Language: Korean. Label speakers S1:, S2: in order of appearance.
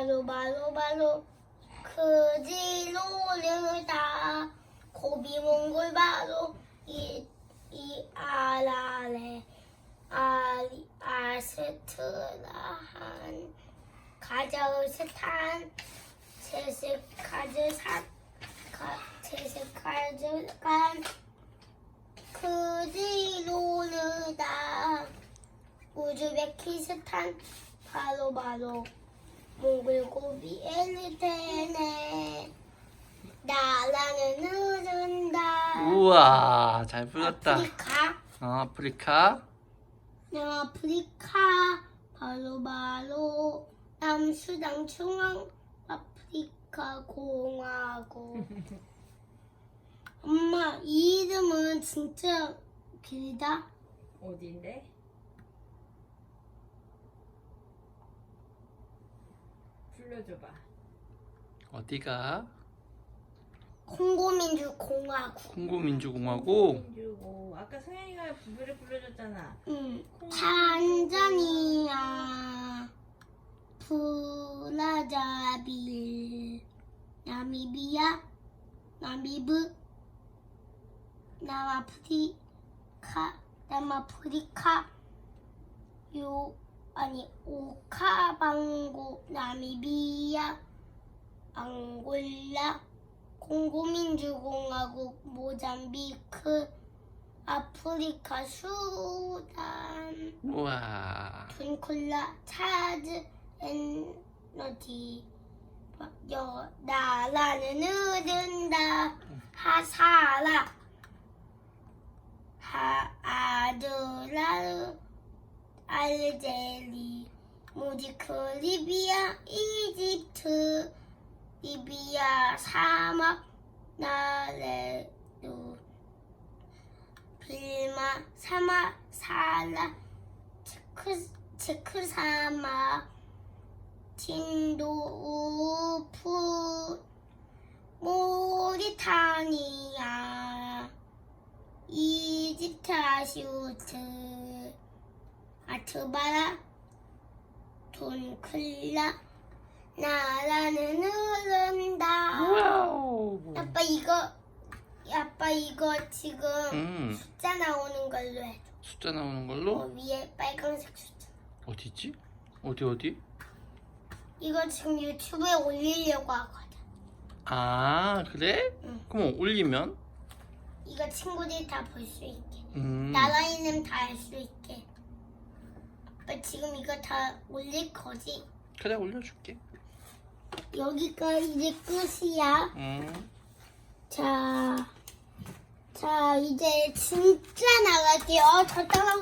S1: 바로 그지 노르다 고비 몽골 바로 이 아라레 아스트라한 카자흐스탄 체스카즈칸 그지 노르다 우즈베키스탄 바로 몽골 고비 엘테네 나라는 흐른다.
S2: 우와, 잘 불렀다.
S1: 아프리카
S2: 아프리카.
S1: 남아프리카 바로 남수당 중앙 아프리카 공화국. 엄마 이 이름은 진짜 길다.
S3: 어디인데? 불러줘봐.
S2: 어디가?
S1: 콩고민주공화국.
S2: 콩고민주공화국.
S3: 민주고 아까 성현이가 노래 불러줬잖아.
S1: 탄자니아, 브라자빌, 나미비아, 나미브, 남아프리카, 오카방고, 나미비아, 앙골라, 콩고민주공화국, 모잠비크, 아프리카, 수단,
S2: 우와.
S1: 둔콜라, 차드, 에너지, 나라는 흐른다, 하사라, 아드라, 알제리, 모지크, 리비아, 이집트, 리비아, 사막, 나레루, 빌마, 사막, 살라, 체크 사막, tindouf, 모리타니아, 이집트, 아시우트, 아트바라, 돈클라, 나라는 흐른다.
S2: 와우.
S1: 아빠 이거 지금 숫자 나오는 걸로 해줘.
S2: 숫자 나오는 걸로?
S1: 위에 빨간색 숫자.
S2: 어디 있지? 어디?
S1: 이거 지금 유튜브에 올리려고 하거든.
S2: 아, 그래?
S1: 응.
S2: 그럼 올리면?
S1: 이거 친구들이 다 볼 수 있게.
S2: 음.
S1: 나라 이름 다 알 수 있게. 아빠 지금 이거 다 올릴 거지?
S2: 그래, 올려줄게.
S1: 여기가 이제 끝이야. 자, 이제 진짜 나갈게요. 저 따라